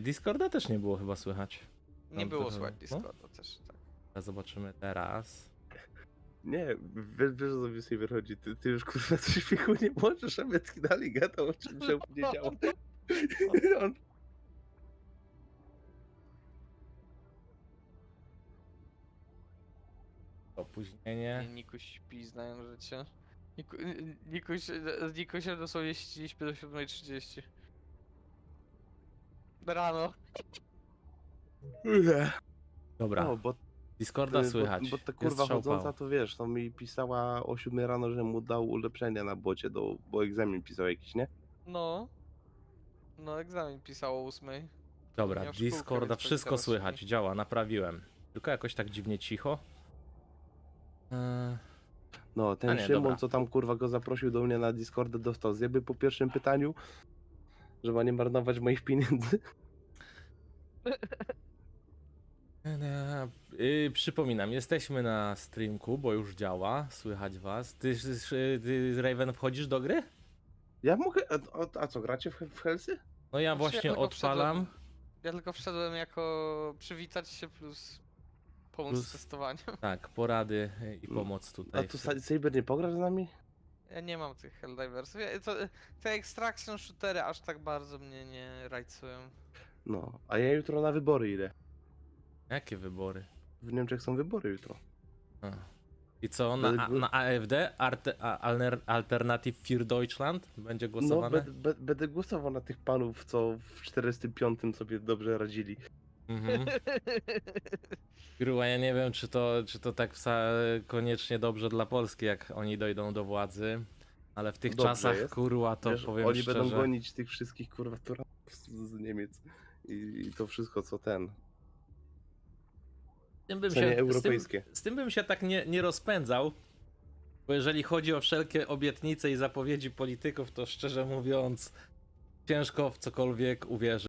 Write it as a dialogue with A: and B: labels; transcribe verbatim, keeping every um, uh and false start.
A: Discorda też nie było chyba słychać.
B: Nie
A: No,
B: było
A: to-
B: słychać
A: no.
B: Discorda też, tak.
A: A zobaczymy teraz.
C: Nie, wiesz, wiesz o co mi sobie wychodzi. Ty, ty już kurwa coś śmiechu nie możesz, a Metki dalej gadał o czym się nie działo. On...
A: Opóźnienie.
B: Nikuś śpi, znają życie. Niku, Nikuś, z Nikusiem dosłownie śpiliśmy do siódmej trzydzieści. Rano.
A: Dobra,
C: No, bo,
A: Discorda
C: ty,
A: słychać.
C: bo, bo ta
A: Jest
C: kurwa
A: strzał
C: chodząca
A: pał.
C: to wiesz, to mi pisała o siódmej rano, że mu dał ulepszenia na bocie, do, bo egzamin pisał jakiś, nie?
B: No. No, egzamin pisało o ósmej.
A: Dobra,
B: miał szkółkę,
A: Discorda,
B: więc
A: wszystko
B: teraz
A: słychać,
B: śpi.
A: działa, naprawiłem. Tylko jakoś tak dziwnie cicho. Eee,
C: No,
A: A
C: ten
A: nie,
C: Szymon,
A: dobra.
C: co tam kurwa go zaprosił do mnie na Discordę, dostał zjeby po pierwszym pytaniu, że ma nie marnować moich pieniędzy.
A: Yy, przypominam, jesteśmy na streamku, bo już działa, słychać was. Ty, ty, ty Raven, wchodzisz do gry?
C: Ja mogę, a, a, a co, gracie w, w Hellsy?
A: No ja
B: Znaczy,
A: właśnie
B: tylko
A: odpalam.
B: wszedłem- Ja tylko wszedłem jako przywitać się plus pomóc
C: Plus-
B: w testowaniu.
A: Tak, porady i
C: Mm.
A: pomoc
C: A
A: tutaj.
C: tu Sa- Saber nie pograsz z nami?
B: Ja nie mam tych Helldiversów. Ja, to, te extraction shootery aż tak bardzo mnie nie rajcują.
C: No, a ja jutro na wybory idę.
A: Jakie wybory?
C: W Niemczech są wybory jutro.
A: A. I co, na, a,
C: Będę-
A: na A F D? Arte, a, Alner- Alternative für Deutschland? Będzie
C: No,
A: głosowane?
C: be, be, będę głosował na tych panów, co w czterdziestym piątym sobie dobrze radzili.
A: Mhm. Kurwa, ja nie wiem, czy to, czy to tak wsa- koniecznie dobrze dla Polski, jak oni dojdą do władzy. Ale w tych
C: Dobrze
A: czasach,
C: jest.
A: kurwa, to
C: Wiesz,
A: powiem
C: oni
A: szczerze.
C: będą gonić tych wszystkich kurwa turanów z, z Niemiec. I, I to wszystko co ten.
A: Z tym bym
C: Cenie
A: się, z tym,
C: europejskie.
A: z tym bym się tak nie, nie rozpędzał. Bo jeżeli chodzi o wszelkie obietnice i zapowiedzi polityków, to szczerze mówiąc, ciężko w cokolwiek uwierzyć.